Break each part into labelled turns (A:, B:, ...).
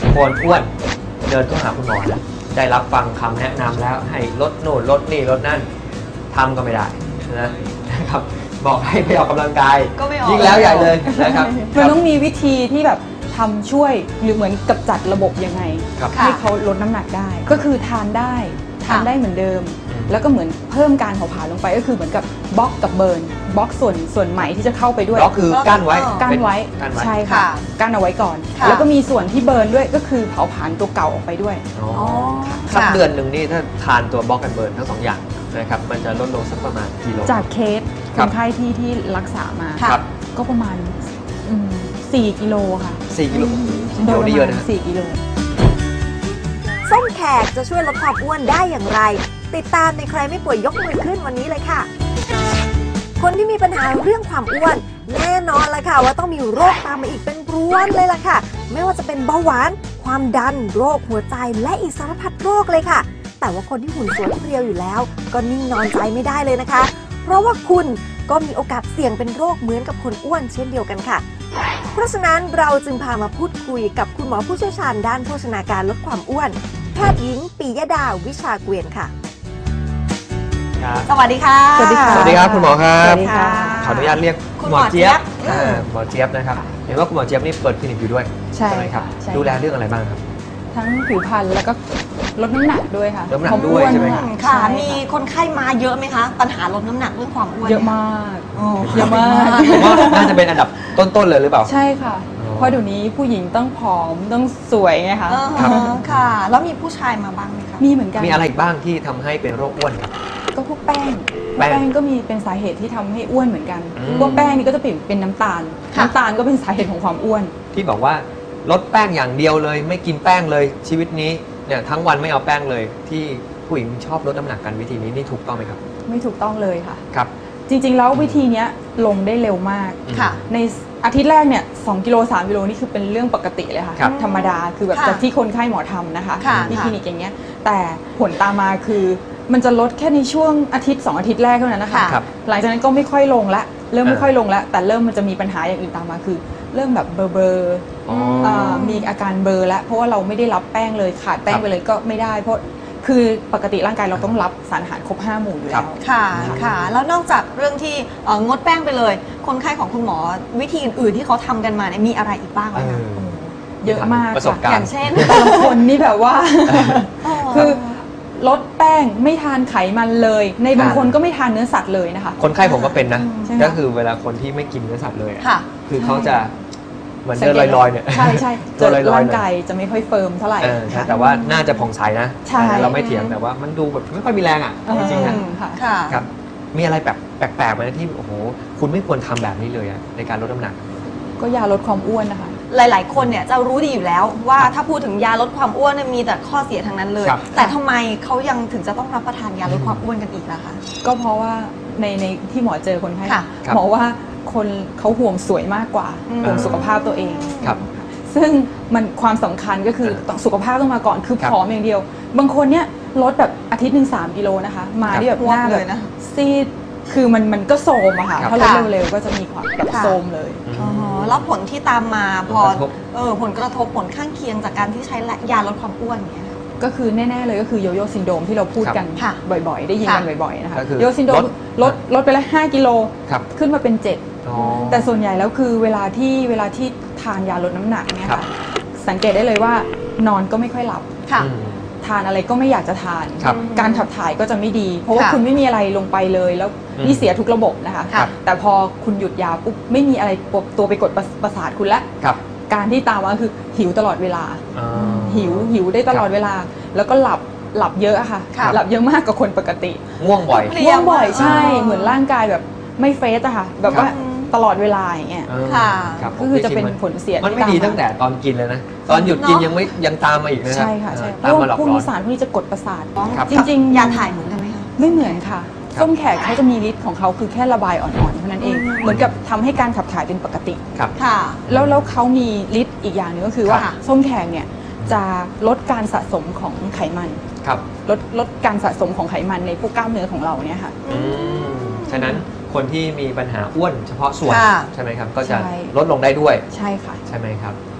A: คนอ้วนเดินเข้าหาคุณหมอแล้วได้รับฟังคำแนะนำแล้วให้ลดโน่นลดนี่ลดนั่นทำก็ไม่ได้นะครับบอกให้ไปออกกำลังกาย
B: ก็ไม่ออก
A: ยิ่งแล้วใหญ่เลยนะครับ
C: มันต้องมีวิธีที่แบบทำช่วยหรือเหมือนกับจัดระบบยังไง
A: ครับ
C: ให้เขาลดน้ำหนักได้ ก็คือทานได้เหมือนเดิม แล้วก็เหมือนเพิ่มการเผาผลาญลงไปก็คือเหมือนกับบล็อกกับเบิร์นบล็อกส่วนใหม่ที่จะเข้าไปด้วย
A: ก็คือกั้นไว้
C: กั้นไว้
A: กั้นไว้
C: ใช่ค่ะกั้นเอาไว้ก่อน
B: ค่ะ
C: แล้วก็มีส่วนที่เบิร์นด้วยก็คือเผาผลาญตัวเก่าออกไปด้วย
A: อ๋อ
B: อ๋อ
A: สัก
B: ค่ะ
A: เดือนหนึ่งนี่ถ้าทานตัวบล็อกกันเบิร์นทั้งสองอย่างนะครับมันจะลดลงสักประมาณกิโล
C: จากเคส
A: ค
C: ครับ นไข้ที่รักษามา
A: ครับ
C: ก็ประมาณ4 กิโลค่ะ
A: 4 กิโล
C: โดย
A: นี่
C: ป
A: เย
C: ระ
A: อะ
C: มาณ
A: นะ
C: 4 กิโล
D: ส้มแขกจะช่วยลดความอ้วนได้อย่างไร ติดตามในใครไม่ป่วยยกมือขึ้นวันนี้เลยค่ะ คนที่มีปัญหาเรื่องความอ้วน แน่นอนละค่ะว่าต้องมีโรคตามมาอีกเป็นพรวนเลยล่ะค่ะ ไม่ว่าจะเป็นเบาหวาน ความดัน โรคหัวใจและอีกสารพัดโรคเลยค่ะ แต่ว่าคนที่หุ่นสวยเพรียวอยู่แล้ว ก็นิ่งนอนใจไม่ได้เลยนะคะ เพราะว่าคุณก็มีโอกาสเสี่ยงเป็นโรคเหมือนกับคนอ้วนเช่นเดียวกันค่ะ เพราะฉะนั้นเราจึงพามาพูดคุยกับคุณหมอผู้เชี่ยวชาญด้านโภชนาการลดความอ้วน แพทย์หญิงปิยดาวิชาเกวียนค่ะ
A: ครับ
B: สวัสดีค่ะ
C: สวัสดีค่ะ
A: สวัสดีครับคุณหมอครับ
C: สวัสดีค่ะ
A: ขออนุญาตเรียก
B: คุณหมอเจี๊ยบ
A: หมอเจี๊ยบนะครับเห็นว่าคุณหมอเจี๊ยบนี่เปิดคลินิกอยู่ด้วย
C: ใช่
A: ไหมครับ
C: ใช่
A: ดูแลเรื่องอะไรบ้างครับ
C: ทั้งผิวพรรณแล้วก็ลดน้ำหนักด้วยค่ะ
A: ลดน้ำหนักด้วยใช่ไหมครับ
B: ค่ะ
C: ใช่
B: มีคนไข้มาเยอะไหมคะ ปัญหาลดน้ำหนักเรื่องความอ้วน
C: เยอะมาก
B: อ๋อ
C: เยอะมาก
A: ผมว่าน่าจะเป็นอันดับต้นๆเลยหรือเปล่า
C: ใช่ค่ะ
A: อ๋อ
C: เพราะเดี๋ยวนี้ผู้หญิงต้องผอมต้องสวยไงคะ
A: ครับ
B: ค่ะ แล้วมีผู้ชายมาบ้างไหมคะ
C: มีเหมือนกัน
A: มีอะไรอีกบ้างที่ทำให้เป็นโรคอ้วนครับ
C: ก็พวกแป้ง
A: แป้ง
C: แป้งก็มีเป็นสาเหตุที่ทำให้อ้วนเหมือนกัน
A: อืม
C: พวกแป้งนี่ก็จะเป็นน้ำตาล
B: ค่ะ
C: น้ำตาลก็เป็นสาเหตุของความอ้วน
A: ที่บอกว่าลดแป้งอย่างเดียวเลย ไม่กินแป้งเลยชีวิตนี้เนี่ยทั้งวันไม่เอาแป้งเลย ที่ผู้หญิงชอบลดน้ำหนักกันวิธีนี้นี่ถูกต้องไหมครับ
C: ไม่ถูกต้องเลยค่ะ
A: ครับ
C: จริงๆแล้ววิธีเนี้ยลงได้เร็วมาก
B: ค่ะ
C: ในอาทิตย์แรกเนี่ย2 กิโล 3 กิโลนี่คือเป็นเรื่องปกติเลยค่ะ
A: ครับ
C: ธรรมดาคือแบบ
B: ค่ะ
C: จากที่คนไข้หมอทำนะคะ
B: ค่ะ
C: ที่
B: ค่ะ
C: คลินิกอย่างเงี้ยแต่ผลตามมาคือมันจะลดแค่ในช่วงอาทิตย์2 อาทิตย์แรกเท่านั้นนะคะ
A: ครับ
C: หลังจากนั้นก็ไม่ค่อยลงละเริ่มไม่ค่อยลงละแต่เริ่มมันจะมีปัญหาอย่างอื่นตามมาคือ เริ่มแบบเบลอ
A: อ๋อ
C: มีอาการเบลอแล้วเพราะว่าเราไม่ได้รับแป้งเลยขาดแป้
A: ค
C: ง
A: รับ
C: ไปเลยก็ไม่ได้ เพราะคือปกติร่างกายเราต้องรับสารอาหารครบ5 หมู่อยู่
A: ครั
C: แล้
A: บ
C: ว
B: ค่ะ ค่ะ แล้วนอกจากเรื่องที่งดแป้งไปเลย คนไข้ของคุณหมอวิธีอื่นๆที่เขาทำกันมาเนี่ยมีอะไรอีกบ้างไหมคะ
C: เยอะมาก
A: ประสบ
C: ค่ะ
A: การณ์
B: อย่างเช่น
C: แต่ละคนนี่แบบว่า คือลดแป้งไม่ทานไขมันเลย ในบางคนก็ไม่ทานเนื้อสัตว์เลยนะคะ
A: คนไข้ผมก็เป็นนะ
C: ใช่ไหม
A: ก็คือเวลาคนที่ไม่กินเนื้อสัตว์เลยอะ
B: ค่ะ
A: คือเขาจะเหมือนเดินลอยๆเนี่ย
C: ใช่ใช่
A: ตัวลอยๆ
C: ร่างกายจะไม่ค่อยเฟิร์มเท่าไหร่
A: ใช่
C: ค่ะ
A: แต่ว่าน่าจะผ่องใสนะ
C: ใช่
A: เราไม่เถียงแต่ว่ามันดูแบบไม่ค่อยมีแรงอ่ะจริงๆนะ
C: ค่ะ
B: ค่ะ
A: ครับมีอะไรแบบแปลกๆไหมที่โอ้โหคุณไม่ควรทำแบบนี้เลยอะในการลดน้ำหนัก
C: ก็ยาลดความอ้วนนะคะ
B: หลาย ๆ คนเนี่ยจะรู้ดีอยู่แล้วว่าถ้าพูดถึงยาลดความอ้วนเนี่ยมีแต่ข้อเสียทั้งนั้นเลย
A: ครับ
B: แต่ทำไมเขายังถึงจะต้องรับประทานยาลดความอ้วนกันอีกล่ะคะ
C: ก็เพราะว่าในที่หมอเจอคนไข้
B: ค่ะ
A: ครับ
C: หมอว่าคนเขาห่วงสวยมากกว่า
B: อืม
C: ห่วงสุขภาพตัวเอง
A: ครับ
C: ซึ่งมันความสำคัญก็คือต้องสุขภาพต้องมาก่อนคือ
A: ครับ
C: ผอมอย่างเดียว บางคนเนี่ยลดแบบอาทิตย์หนึ่ง3 กิโลนะคะ มา
A: ครับ
C: ที่แบบหน้า
B: อ้วก
C: แบ
B: เล
C: บ
B: ยนะ
C: ซีดคือมันก็โทรมอะค่ะ
A: ครับ
C: ถ้าลด
B: ค่ะ
C: เร็วๆก็จะมีความแบบ
B: ค่ะ
C: โทรมเลย
B: อ๋อแล้วผลที่ตามมาพอ
A: ผลกระทบ
B: ผลกระทบผลข้างเคียงจากการที่ใช้ยาลดความอ้วนอย่างเงี้ยค่ะ
C: ก็คือแน่ๆเลยก็คือโยโย่ซินโดรมที่เราพูดกัน
B: ค่ะ
C: บ่อยๆ ได้ยินกัน
B: ค่ะ
C: บ่อยๆนะคะ
A: ก็คือ
C: โยโย่ซินโดรมลดไปแล้ว5 กิโล
A: ครับ
C: ขึ้นมาเป็น
A: อ๋อ
C: 7 แต่ส่วนใหญ่แล้วคือเวลาที่ทานยาลดน้ำหนักเนี่ย
A: ครับ
C: ค่ะสังเกตได้เลยว่านอนก็ไม่ค่อยหลับ
B: ค่ะ
A: อืม
C: ทานอะไรก็ไม่อยากจะทาน
A: ครับ
C: การขับถ่ายก็จะไม่ดี เพราะว่า
B: ค่ะ
C: คุณไม่มีอะไรลงไปเลยแล้ว
A: อืม
C: นี่เสียทุกระบบนะคะ
B: ค่ะ
C: แต่พอคุณหยุดยาปุ๊บไม่มีอะไรตัวไปกดประสาทคุณแล้ว
A: ครับ
C: การที่ตามมาคือหิวตลอดเวลา
A: อ๋อ
C: หิวได้ตลอดเวลา แล้วก็หลับเยอะอะค่ะ
B: ครับ
C: หลับเยอะมากกว่าคนปกติ
A: ง่วงบ่อย
B: เพลีย
C: ง่วงบ่อยใช่
B: อ๋อ
C: เหมือนร่างกายแบบไม่เฟสอะค่ะแบบว่า
B: ครับ
C: ตลอดเวลาอย่างเงี้ย
B: ค่ะ
A: ครับ
C: ก็คือจะเป็นผลเสีย
A: มันไม่
C: ที่า
A: ดีตั้งแต่ตอนกินเลยนะ ตอนหยุดกิน
B: เนอะ
A: ยังตามมาอีกนะ
C: ใช่ค่ะใช่เพ
A: ตาม
C: ราะ
A: มาหล
C: ว่า
A: อก
C: พวก
A: หลอ
C: นี้
A: น
C: สารพวกนี้จะกดประสาท
A: ครับ
C: จริงๆ
B: ยาถ่ายเหมือนกันไหมคะ
C: ไม่เหมือนค่ะ
A: ครับ
C: ส้มแขกเขาจะมีฤทธิ์ของเขาคือแค่ระบายอ่อนๆเท่านั้นเอง
B: อืม
C: เหมือนกับทำให้การขับถ่ายเป็นปกติ
A: ครับ
B: ค่ะ
C: แล้วเขามีฤทธิ์อีกอย่างหนึงก็คือว่า
B: ค่ะ
C: ส้มแขกเนี่ยจะลดการสะสมของไขมัน
A: ครับ
C: ลดการสะสมของไขมันในพวกกล้ามเนื้อของเราเนี่ยค่ะ
A: อืมฉะนั้นคนที่มีปัญหาอ้วนเฉพาะส่วน
B: ค่ะ
A: ใช่ไหมครับ ก็จะ
C: ใช่
A: ลดลงได้ด้วย
C: ใช่ค่ะ
A: ใช่ไหมครับ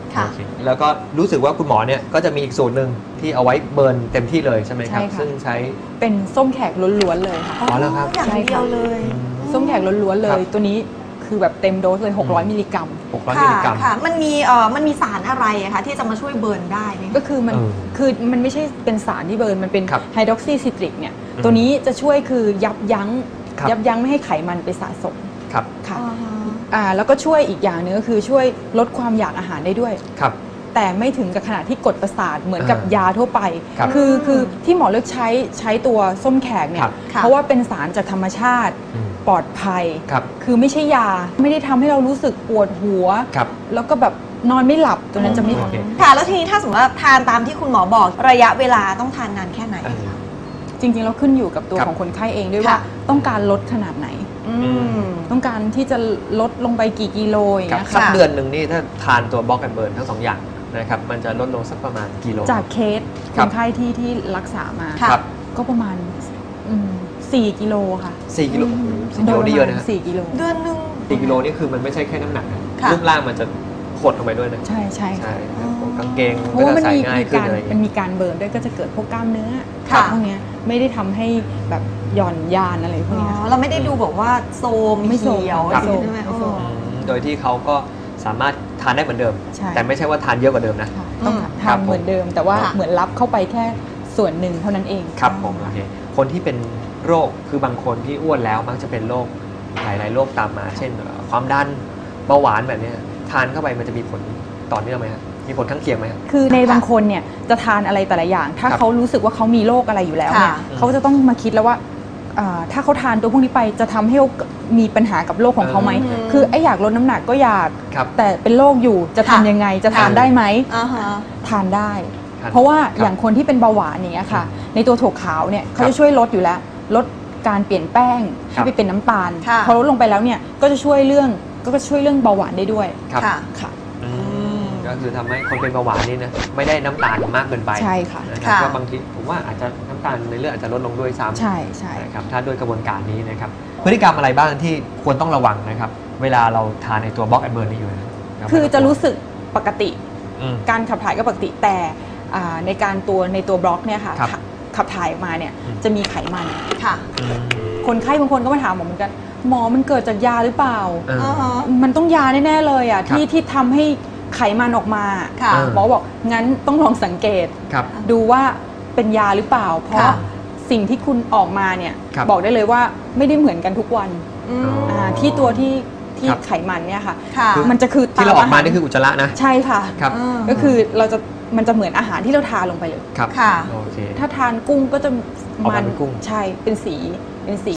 B: ค่ะ
A: โอเคแล้วก็รู้สึกว่าคุณหมอเนี่ยก็จะมีอีกสูตรหนึ่งที่เอาไว้เบิร์นเต็มที่เลยใช่ไหมครับ
C: ใช่ค่ะ
A: ซึ่งใช้
C: เป็นส้มแขกล้วนๆเลยค่ะ
A: อ๋อเหรอครับ
B: อย่างเดียวเลย
C: ส้มแขกล้วนๆเล
A: ครั
C: ย
A: บ
C: ตัวนี้คือแบบเต็มโดสเลย 600 มิลลิกรัม
A: 600 มิลลิกรัม
B: ค่ะมันมีสารอะไรอะคะที่จะมาช่วยเบิร์นได้ไหม
C: ก็คือมัน
A: เออ
C: คือมันไม่ใช่เป็นสารที่เบิร์นมันเป็น
A: ครับ
C: ไฮดรอกซีซิตริกเนี่ย
A: อืม
C: ตัวนี้จะช่วยคือยับยั้ง
A: ครับ
C: ยับยั้งไม่ให้ไขมันไปสะสม
A: ครับ
C: ค่ะ
B: อ่าฮะ
C: แล้วก็ช่วยอีกอย่างหนึงก็คือช่วยลดความอยากอาหารได้ด้วย
A: ครับ
C: แต่ไม่ถึงกับขนาดที่กดประสาทเหมือนกับ
A: อ่าย
C: าทั่วไป
A: ครับ
C: คือที่หมอเลือกใช้ตัวส้มแขกเนี่
A: ครั
C: ย
A: บ
B: ค่ะ
C: เพราะว่าเป็นสารจากธรรมชาติ
A: อืม
C: ปลอดภัย
A: ครับ
C: คือไม่ใช่ยาไม่ได้ทำให้เรารู้สึกปวดหัว
A: ครับ
C: แล้วก็แบบนอนไม่หลับตัวนั้นจะไม่
A: โอเค
B: ค่ะแล้วทีนี้ถ้าสมมติว่าทานตามที่คุณหมอบอกระยะเวลาต้องทานนานแค่ไหน
A: เออ
C: จริงๆแล้วขึ้นอยู่กับตัว
A: ครับ
C: ของคนไข้เองด้วย
B: ค่ะ
C: ว่าต้องการลดขนาดไหน
B: อืม
C: ต้องการที่จะลดลงไปกี่กิโลอย่าง
A: ครับ
C: เงี้ย
A: สัก
C: ค่ะ
A: เดือนหนึ่งนี่ถ้าทานตัวบล็อกแอนเบิร์นทั้งสองอย่างนะครับมันจะลดลงสักประมาณกิโล
C: จากเคส
A: ค
C: ครับ นไข้ที่รักษามา
B: ค่ะ
A: ครับ
C: ก็ประมาณ4 กิโลค่ะ
A: 4 กิโลโอ้โห4 กิโลนี่เยอะนะฮะ
C: 4 กิโล
B: เดือนหนึ่ง
A: 4 กิโลนี่คือมันไม่ใช่แค่น้ำหนักนะ
B: ค่ะ
A: รูปร่างมันจะหดลงไปด้วยนะ
C: ใช่ใช่
A: ใช่
C: ค่ะ
A: ครับผมกางเกง
C: เพราะว่ามัน
A: ก็จะใส่
C: มี
A: ง่ายขึ้น
C: การ
A: อะไรอย่าง
C: มัน
A: เงี้ย
C: มีการเบิร์นด้วยก็จะเกิดพวกกล้ามเนื้อ
B: ค่ะ
C: พวกเนี้ยไม่ได้ทำให้แบบหย่อนยานอะไรพวก
B: อ๋
C: เนี้ย
B: อ
C: ค่ะ
B: เราไม่ได้ดูแบบว่าโซม
C: ไม่โซม
B: เขียว
C: ไม่โซม
B: ใช่ไหม
C: ไม่โซม
B: อ๋อ
A: โดยที่เขาก็สามารถทานได้เหมือนเดิม
C: ใช่
A: แต่ไม่ใช่ว่าทานเยอะกว่าเดิมนะ
C: ค่ะต้อง
B: อืม
C: ทานเหมือนเดิม แต่ว่า
B: ค่ะ
C: เหมือนรับเข้าไปแค่ส่วนหนึ่งเท่านั้นเอง
A: ครับผมโอเคคนที่เป็นโรคคือบางคนที่อ้วนแล้วมักจะเป็นโรคหลายๆโรคตามมา เช่นความดันเบาหวานแบบเนี้ยทานเข้าไปมันจะมีผลต่อเนื่องไหมครับมีผลข้างเคียงไหมครับ
C: คือในบางคนเนี่ยจะทานอะไรแต่ละอย่าง ถ้า
A: ครับ
C: เขารู้สึกว่าเขามีโรคอะไรอยู่แล้วเนี่ย
B: ค่ะ
C: เขาจะต้องมาคิดแล้วว่าถ้าเขาทานตัวพวกนี้ไปจะทำให้เขามีปัญหากับโรคของเขาไหม
B: อืม
C: คือไอ้อยากลดน้ำหนักก็อยาก
A: ครับ
C: แต่เป็นโรคอยู่จะทำ
B: ค่ะ
C: ยังไงจะทาน
A: ค่ะ
C: ได้ไหม
B: อ่าฮะ
C: ทานได้
A: ทาน
C: เพราะว่า
A: ครับ
C: อย่างคนที่เป็นเบาหวานอย่างเงี้ยค่ะ ในตัวถั่วขาวเนี่ยเขา
A: ครั
C: จะ
A: บ
C: ช่วยลดอยู่แล้ว ลดการเปลี่ยนแป้ง
A: ครั
C: ให้
A: บ
C: ไปเป็นน้ำตาล
B: ค่ะ
C: พอลดลงไปแล้วเนี่ยก็จะช่วยเรื่องเบาหวานได้ด้วย
A: ครับ
B: ค่ะ
C: ค่ะ
A: อืมก็คือทำให้คนเป็นเบาหวานนี่นะไม่ได้น้ำตาลมากเกินไป
C: ใช่ค่ะ
A: นะครับ
B: ค่ะ
A: ก็บางทีผมว่าอาจจะน้ำตาลในเลือดอาจจะลดลงด้วยซ้ำ
C: ใช่ใช่
A: นะครับถ้าด้วยกระบวนการนี้นะครับพฤติกรรมอะไรบ้างที่ควรต้องระวังนะครับเวลาเราทานในตัวบล็อกแอนเบิร์นนี่อยู่นะครับ
C: คือจะรู้สึกปกติ
A: อืม
C: การขับถ่ายก็ปกติแต่ในตัวบล็อกเนี่ยค่ะ
A: ครับ
C: ขับถ่ายออกมาเนี่ย
A: อืม
C: จะมีไขมัน
B: ค่ะ
A: อืม
C: คนไข้บางคนก็มาถามหมอเหมือนกันหมอมันเกิดจากยาหรือเปล่า
A: เออ
B: อ่าฮะ
C: มันต้องยาแน่ๆเลยอ่ะ
A: ครับ
C: ที่ทำให้ไขมันออกมา
B: ค่ะ
C: หมอบอกงั้นต้องลองสังเกต
A: ครับ
C: ดูว่าเป็นยาหรือเปล่า เพราะ
B: ค่ะ
C: สิ่งที่คุณออกมาเนี่ย
A: ครับ
C: บอกได้เลยว่าไม่ได้เหมือนกันทุกวัน
B: อืม
A: อ๋อ
C: ที่ตัวที่
A: ครับ
C: ไขมันเนี่ยค่ะ
B: ค่ะ
C: มันจะคือ
A: ที่เราออกมา
C: ตห
A: นี่คืออุจจาระนะ
C: ใช่ค่ะ
A: ครับ
C: ก็คือมันจะเหมือนอาหารที่เราทานลงไปเลย
A: ครับ
B: ค่ะ
A: โอเค
C: ถ้าทานกุ้งก็จะ
A: ออกมาเป็นกุ้ง
C: ใช่เป็นสี